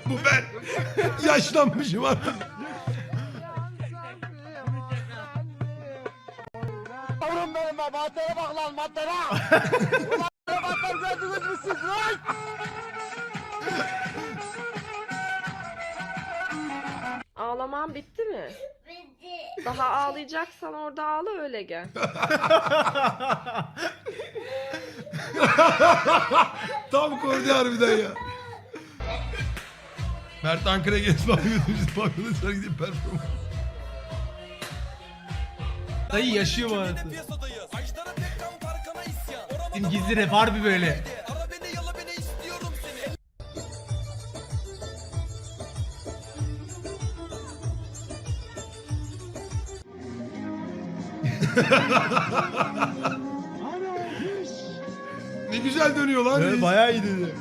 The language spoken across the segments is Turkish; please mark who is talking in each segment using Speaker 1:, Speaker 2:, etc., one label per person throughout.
Speaker 1: Bu ben. Yaşlanmışım artık.
Speaker 2: Yavrum benim be, maddeye bak lan, maddeye. Ulan maddeler gördünüz mü siz lan?
Speaker 3: Ağlaman bitti mi? Bitti. Daha ağlayacaksan orada ağla öyle gel.
Speaker 1: Tam kordi harbiden ya. Mert Ankara'ya gezip bakıyordum. Biz bakıyorduk sonra gidip performans.
Speaker 4: Dayı yaşıyor mu hayatı? Bizim gizli rap harbi böyle.
Speaker 1: Ne güzel dönüyor lan.
Speaker 4: Evet, bayağı iyi dedi.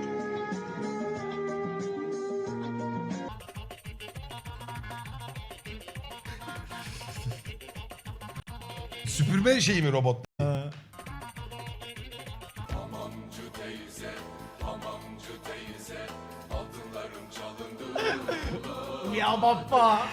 Speaker 1: Süpürme şeyi mi robot?
Speaker 4: Ya baba.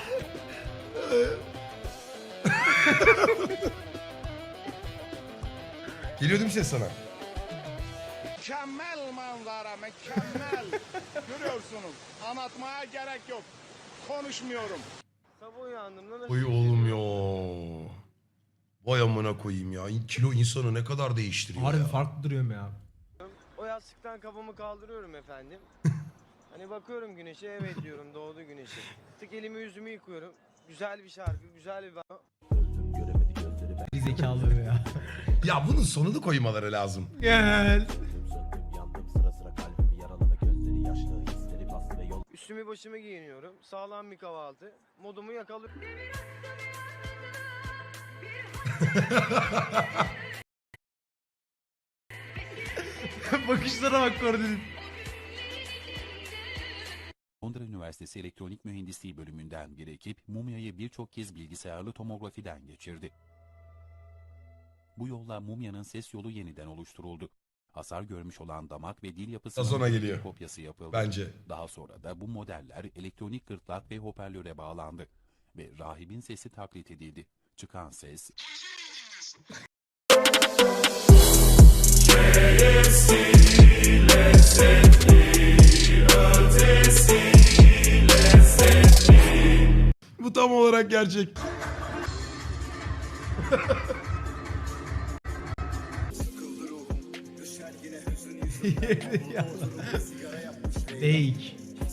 Speaker 1: Geliyor değil mi ses sana?
Speaker 2: Mükemmel manzara, mükemmel. Görüyorsunuz, anlatmaya gerek yok. Konuşmuyorum.
Speaker 5: Sabah uyandığımda
Speaker 1: Oy oğlum ya. Vay amına koyayım ya. Kilo insanı ne kadar değiştiriyor
Speaker 4: Harbi
Speaker 1: ya.
Speaker 4: farklı duruyorum ya.
Speaker 5: o yastıktan kafamı kaldırıyorum efendim. Hani bakıyorum güneşe, evet diyorum, doğdu güneşi. Tık elimi yüzümü yıkıyorum. Güzel bir şarkı, güzel bir...
Speaker 4: Bir zekalı ya.
Speaker 1: Ya bunun sonunu koymaları lazım.
Speaker 4: Gel.
Speaker 5: Üstümü başımı giyiniyorum. Sağlam bir kahvaltı. Modumu yakalıyorum.
Speaker 4: Bakışlara bak Kordi'nin.
Speaker 6: Londra Üniversitesi Elektronik Mühendisliği bölümünden bir ekip mumyayı birçok kez bilgisayarlı tomografiden geçirdi. Bu yolla mumyanın ses yolu yeniden oluşturuldu. Hasar görmüş olan damak ve dil
Speaker 1: Sonra
Speaker 6: yapısının
Speaker 1: geliyor.
Speaker 6: bir kopyası yapıldı.
Speaker 1: Bence.
Speaker 6: Daha sonra da bu modeller elektronik gırtlak ve hoparlöre bağlandı ve rahibin sesi taklit edildi. Çıkan ses
Speaker 1: Bu tam olarak gerçek.
Speaker 4: Fake.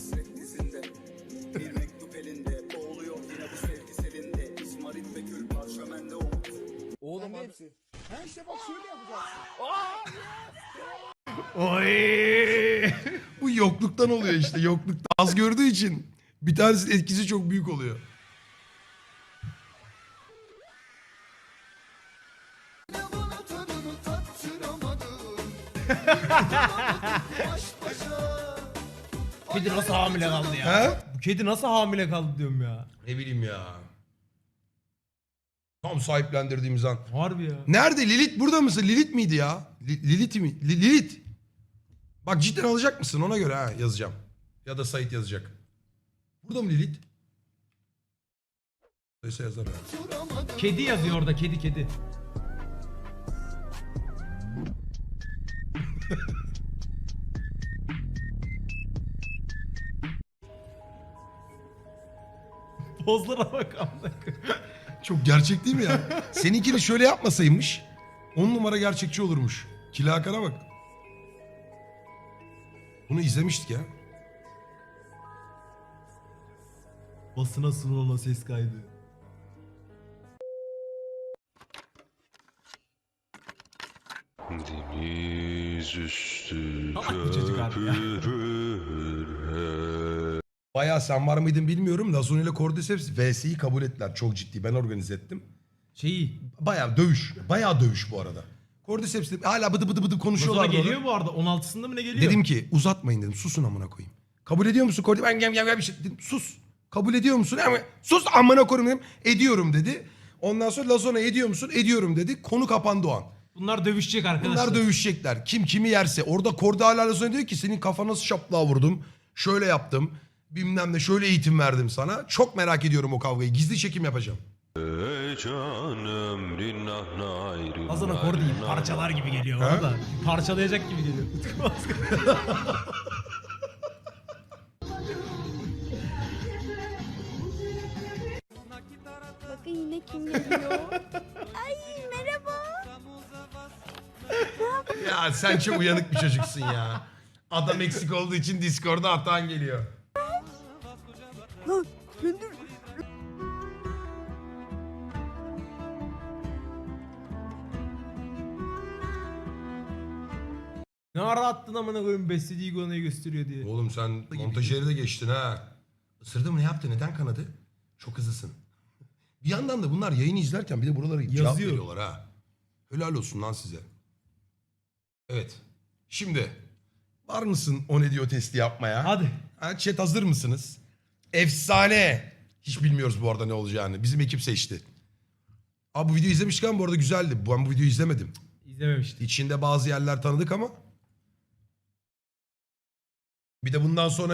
Speaker 2: Oğlum hepsi. Ha işte bak şöyle yapacaksın.
Speaker 4: Oy.
Speaker 1: Bu yokluktan oluyor işte. Yokluktan az gördüğü için bir tanesinin etkisi çok büyük oluyor.
Speaker 4: Kedi nasıl hamile kaldı ya?
Speaker 1: He?
Speaker 4: Bu kedi nasıl hamile kaldı diyorum ya.
Speaker 1: Ne bileyim ya. Tam sahiplendirdiğimiz an.
Speaker 4: Harbi ya.
Speaker 1: Nerede Lilith, burada mısın? Lilith miydi ya? Lilith mi? Lilith. Bak cidden alacak mısın? Ona göre ha yazacağım. Ya da Sait yazacak. Burada mı Lilith? Neyse yazar ya.
Speaker 4: Kedi yazıyor orada, kedi kedi. Pozlara bak amına koyayım.
Speaker 1: Çok gerçek değil mi ya? Seninkini şöyle yapmasaymış 10 numara gerçekçi olurmuş. Kila Hakan'a bak. Bunu izlemiştik ya.
Speaker 4: Basına sunulan ses kaydı.
Speaker 7: Deniz üstü
Speaker 4: Salak bir çocuk abi ya.
Speaker 1: Bayağı sen var mıydın bilmiyorum. Lazon ile Cordyceps VS'yi kabul ettiler. Çok ciddi. Ben organize ettim.
Speaker 4: Şeyi.
Speaker 1: Bayağı dövüş. Bayağı dövüş bu arada. Cordyceps de hala bıdı bıdı bıdı
Speaker 4: Basına
Speaker 1: konuşuyorlar.
Speaker 4: geliyor bu arada. 16'sında mı ne geliyor?
Speaker 1: Dedim ki uzatmayın dedim. Susun amına koyayım. Kabul ediyor musun Cordy? Ben gel bir şey dedim. Sus. Kabul ediyor musun? Ama sus amına koyayım dedim. Ediyorum dedi. Ondan sonra Lazona ediyor musun? Ediyorum dedi. Konu kapandı o an.
Speaker 4: Bunlar dövüşecek arkadaşlar.
Speaker 1: Bunlar dövüşecekler. Kim kimi yerse. Orada Cordy hala Lazona diyor ki senin kafana nasıl şaplığa vurdum. Şöyle yaptım. Bilmem ne şöyle eğitim verdim sana. Çok merak ediyorum o kavgayı. Gizli çekim yapacağım.
Speaker 7: Canım rinnah nayrı.
Speaker 4: Hasan akor değil. Parçalar gibi geliyor
Speaker 1: Ha?
Speaker 4: orada. Parçalayacak gibi geliyor.
Speaker 8: Bakın yine kim geliyor. Ay merhaba.
Speaker 1: Ya sen çok uyanık bir çocuksun ya. Adam eksik olduğu için Discord'da atan geliyor.
Speaker 4: Ne ara attın amına koyayım beslediği iguanayı gösteriyor diye.
Speaker 1: Oğlum sen montajeri de geçtin ha. Isırdı mı ne yaptı? Neden kanadı? Çok hızlısın. Bir yandan da bunlar yayını izlerken bir de buraları cevap
Speaker 4: Yazıyor.
Speaker 1: veriyorlar ha. Helal olsun lan size. Evet. Şimdi var mısın o ne diyor testi yapmaya?
Speaker 4: Hadi.
Speaker 1: Ha, chat hazır mısınız? Efsane. Hiç bilmiyoruz bu arada ne olacağını. Bizim ekip seçti. Abi bu videoyu izlemişken bu arada güzeldi. Ben bu videoyu izlemedim.
Speaker 4: İzlememiştim.
Speaker 1: İçinde bazı yerler tanıdık ama. Bir de bundan sonra